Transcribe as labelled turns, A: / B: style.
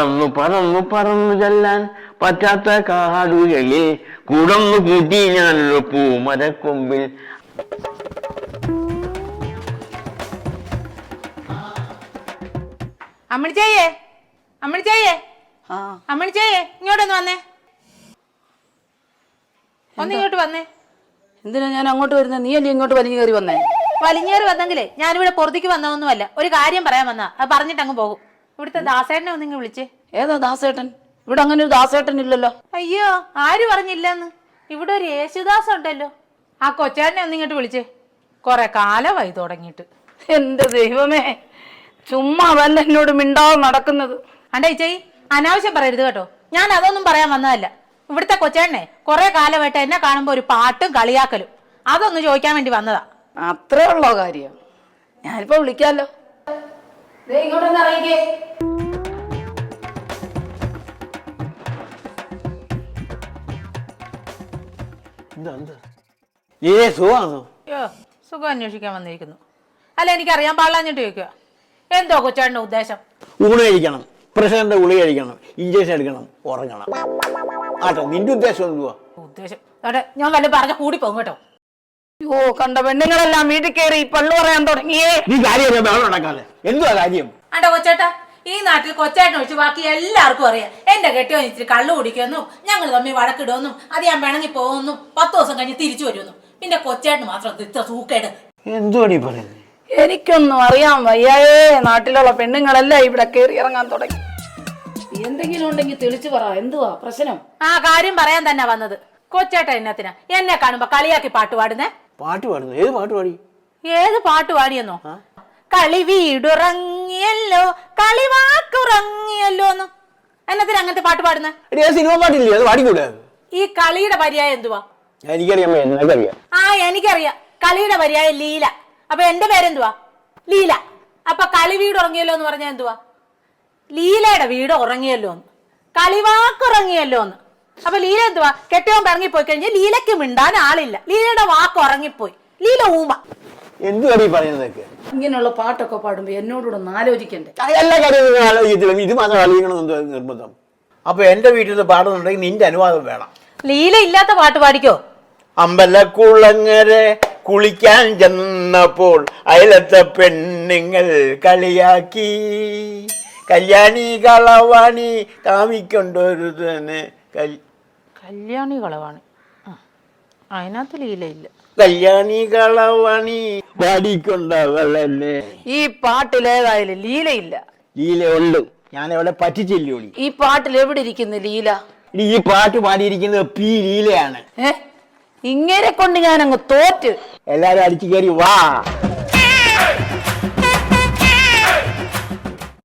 A: പറന്നു പറന്നു പറന്നു ചെല്ലാൻ പറ്റാത്ത കാടുകളിൽ കുടന്നു കൂട്ടി ഞാനൊരു പൂമരക്കൊമ്പിൽ.
B: അമ്മണിച്ചേയേ, അമ്മണിച്ചേയേ, അമ്മണിച്ചേയേ, ഇങ്ങോട്ടൊന്ന് വന്നേ, ഒന്നിങ്ങോട്ട് വന്നേ.
C: എന്തിനാ ഞാൻ അങ്ങോട്ട് വരുന്നത്? നീ അല്ലേ ഇങ്ങോട്ട് വലിഞ്ഞു കയറി വന്നേ?
B: വലിഞ്ഞേറി വന്നെങ്കിലേ ഞാനിവിടെ പുറത്തേക്ക് വന്നതൊന്നുമല്ല, ഒരു കാര്യം പറയാൻ വന്നാ. അത് പറഞ്ഞിട്ട് അങ്ങ് പോകും. ഇവിടുത്തെ ദാസേട്ടനെ ഒന്നിങ്ങ് വിളിച്ചേ.
C: ഏതാ ദാസേട്ടൻ? ഇവിടെ അങ്ങനെ ഒരു ദാസേട്ടൻ ഇല്ലല്ലോ.
B: അയ്യോ, ആര് പറഞ്ഞില്ലെന്ന്? ഇവിടെ ഒരു യേശുദാസ് ഉണ്ടല്ലോ. ആ കൊച്ചേട്ടനെ ഒന്നിങ്ങോട്ട് വിളിച്ചേ. കൊറേ കാലമായി തുടങ്ങിയിട്ട്.
C: എന്റെ ദൈവമേ, ചുമ്മാ വല്ല എന്നോട് മിണ്ടാതെ നടക്കുന്നത്.
B: അണ്ടേ ചേച്ചി, അനാവശ്യം പറയരുത് കേട്ടോ. ഞാൻ അതൊന്നും പറയാൻ വന്നതല്ല. ഇവിടുത്തെ കൊച്ചേട്ടനെ കുറെ കാലമായിട്ട് എന്നെ കാണുമ്പോ ഒരു പാട്ടും കളിയാക്കലും, അതൊന്ന് ചോദിക്കാൻ വേണ്ടി വന്നതാ.
C: അത്രേ ഉള്ളോ കാര്യം? ഞാനിപ്പോ വിളിക്കാലോ. ഇങ്ങോട്ടൊന്ന് ഇറങ്ങിക്കേ.
B: സുഖം അന്വേഷിക്കാൻ വന്നിരിക്കുന്നു. അല്ല, എനിക്കറിയാൻ പാടില്ലാഞ്ഞിട്ട് ചോദിക്കുക. എന്തോ കൊച്ചേട്ടന്റെ ഉദ്ദേശം?
A: ഊണ് കഴിക്കണം, പ്രഷറിന്റെ ഗുളിക കഴിക്കണം, ഇഞ്ചക്ഷൻ എടുക്കണം, ഉറങ്ങണം. ആട്ടെ, നിന്റെ ഉദ്ദേശം എന്തുവാ?
B: ഉദ്ദേശം ഞാൻ വല്ല പറഞ്ഞ കൂടി പോകും കേട്ടോ.
C: ഓ, കണ്ട പെണ്ണുങ്ങളെല്ലാം വീട്ടിൽ കയറി പള്ളു പറയാൻ തുടങ്ങിയേ.
A: നീ കാര്യം നടക്കാതെ എന്തുവാ കാര്യം?
B: അണ്ട കൊച്ചേട്ടാ, ഈ നാട്ടിൽ കൊച്ചേട്ടൻ ഒഴിച്ച് ബാക്കി എല്ലാവർക്കും അറിയാം എന്റെ കെട്ടിയോ ഇച്ചിരി കള്ളു കുടിക്കുമെന്നും ഞങ്ങൾ തമ്മിൽ വഴക്കിടുമെന്നും അത് ഞാൻ പിണങ്ങി പോകുമെന്നും 10 ദിവസം കഴിഞ്ഞ് തിരിച്ചു വരുമെന്നും. പിന്നെ കൊച്ചേട്ടന് മാത്രം ഇത്ര സൂക്കേട്.
A: എന്തുവാടി പറയുന്നത്?
C: എനിക്കൊന്നും അറിയാൻ വയ്യേ. നാട്ടിലുള്ള പെണ്ണുങ്ങളെല്ലാം ഇവിടെ കയറി ഇറങ്ങാൻ തുടങ്ങി. എന്തെങ്കിലും ഉണ്ടെങ്കിൽ തെളിച്ചു പറ. എന്തുവാ പ്രശ്നം?
B: ആ കാര്യം പറയാൻ തന്നെ വന്നത്. കൊച്ചേട്ട എന്നത്തിനാ എന്നെ കാണുമ്പോ കളിയാക്കി പാട്ട് പാടുന്നേ?
A: പാട്ട് പാടുന്നു? ഏത് പാട്ട് പാടി?
B: ഏത് പാട്ട് പാടിയെന്നോ? കളി വീടുറങ്ങിയല്ലോ, കളിവാക്കുറങ്ങിയല്ലോ എന്ന്. എന്നത്തിന് അങ്ങനത്തെ പാട്ട് പാടുന്നേ?
A: സിനിമ പാട്ടില്ലേ, അത് പാടിക്കൂടെ?
B: ഈ കളിയുടെ പര്യായം എന്തുവാ?
A: എനിക്കറിയാം.
B: ആ, എനിക്കറിയാം. കളിയുടെ പര്യായം ലീല. അപ്പൊ എന്റെ പേരെന്തുവാ? ലീല. അപ്പൊ കളി വീട് ഉറങ്ങിയല്ലോ എന്ന് പറഞ്ഞാൽ എന്തുവാ? ലീലയുടെ വീട് ഉറങ്ങിയല്ലോ എന്ന്, കളിവാക്കുറങ്ങിയല്ലോ എന്ന്. അപ്പൊ ലീല എന്തുവാ? കെട്ടിയോൻ ഇറങ്ങിപ്പോയി കഴിഞ്ഞാൽ ലീലയ്ക്ക് മിണ്ടാൻ ആളില്ല. ലീലയുടെ വാക്ക് ഉറങ്ങിപ്പോയി. ലീല ഊമ.
A: എന്തുവാടി പറയുന്നതൊക്കെ?
C: ഇങ്ങനെയുള്ള പാട്ടൊക്കെ പാടുമ്പോ എന്നോടൂടെ ഒന്ന് ആലോചിക്കണ്ടേ?
A: എല്ലാ കാര്യവും ആലോചിച്ചില്ല, ഇത് മാത്രം ആലോചിക്കണമെന്ന് നിർബന്ധം. അപ്പൊ എന്റെ വീട്ടിൽ നിന്ന് പാടുന്നുണ്ടെങ്കിൽ നിന്റെ അനുവാദം വേണം.
B: ലീല ഇല്ലാത്ത പാട്ട് പാടിക്കോ?
A: അമ്പലക്കുളങ്ങരെ കുളിക്കാൻ ചെന്നപ്പോൾ അയലത്തെ പെണ്ണുങ്ങൾ കളിയാക്കി, കല്യാണി കളവാണി കാമിക്കൊണ്ടൊരു തന്നെ.
B: കല്യാണി കളവാണി, അതിനകത്ത് ലീലയില്ല.
A: കല്യാണി കളവാണി പാടിക്കൊണ്ടവളെന്നെ.
C: ഈ പാട്ടിലേതായാലും ലീലയില്ല.
A: ലീല ഉള്ളു, ഞാൻ അവളെ പറ്റിച്ചില്ലോടി.
C: ഈ പാട്ടിൽ എവിടെ ഇരിക്കുന്നു ലീല?
A: ഈ പാട്ട് പാടിയിരിക്കുന്നത് പി ലീലയാണ്.
C: ഇങ്ങനെ കൊണ്ട് ഞാൻ അങ്ങ് തോറ്റ്.
A: എല്ലാരും അടിച്ചു കയറി വാ.